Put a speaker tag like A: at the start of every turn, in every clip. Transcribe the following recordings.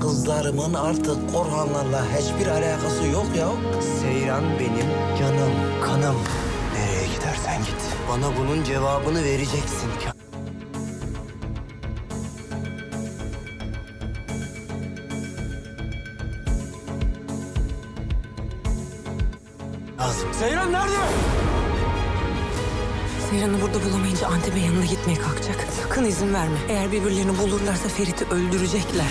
A: Kızlarımın artık Orhanlarla hiçbir alakası yok ya.
B: Seyran benim canım, kanım. Nereye gidersen git. Bana bunun cevabını vereceksin. Lazım. Seyran nerede?
C: Seyran'ı burada bulamayınca Antep'e yanına gitmeye kalkacak. Sakın izin verme. Eğer birbirlerini bulurlarsa Ferit'i öldürecekler.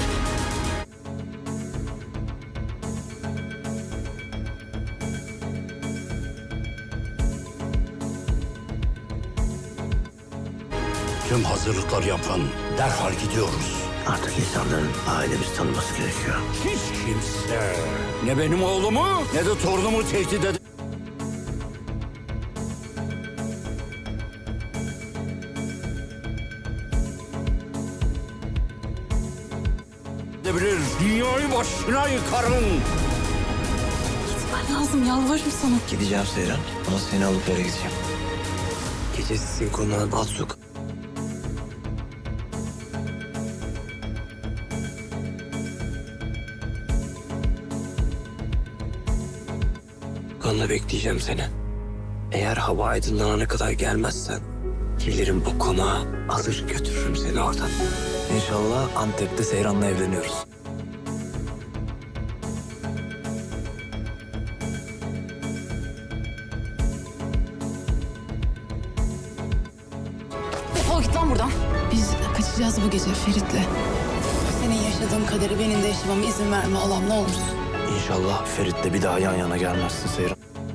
D: Tüm hazırlıklar yapın. Derhal gidiyoruz.
B: Artık insanların ailemizi tanıması gerekiyor.
D: Hiç kimse ne benim oğlumu ne de torunumu tehdit edebilir. Dünyayı başına yıkarım.
C: Gitmen lazım, yalvarırım sana.
B: Gideceğim Seyran. Ama seni alıp eve gideceğim. Gecesi sizin konağın alt sokak. Kanla bekleyeceğim seni. Eğer hava aydınlanana kadar gelmezsen gelirim bu konağa, alır götürürüm seni oradan. İnşallah Antep'te Seyran'la evleniyoruz.
E: Defol git lan buradan. Biz kaçacağız bu gece Ferit'le. Senin yaşadığın kaderi benim de yaşamama izin verme Allah'ım, ne olursun.
B: İnşallah Ferit'le bir daha yan yana gelmezsin Seyran.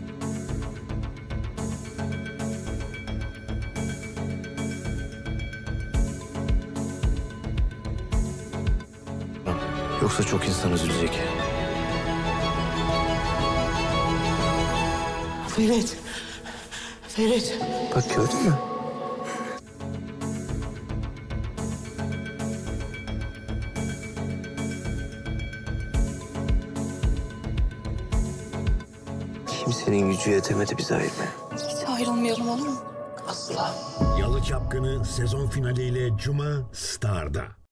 B: Yoksa çok insan üzülecek.
A: Ferit. Ferit.
B: Bak gördün mü? Kimsenin gücü yetemedi bizi ayırmaya.
E: Hiç ayrılmayalım, olur mu?
B: Asla.
F: Yalı Çapkını sezon finaliyle Cuma Star'da.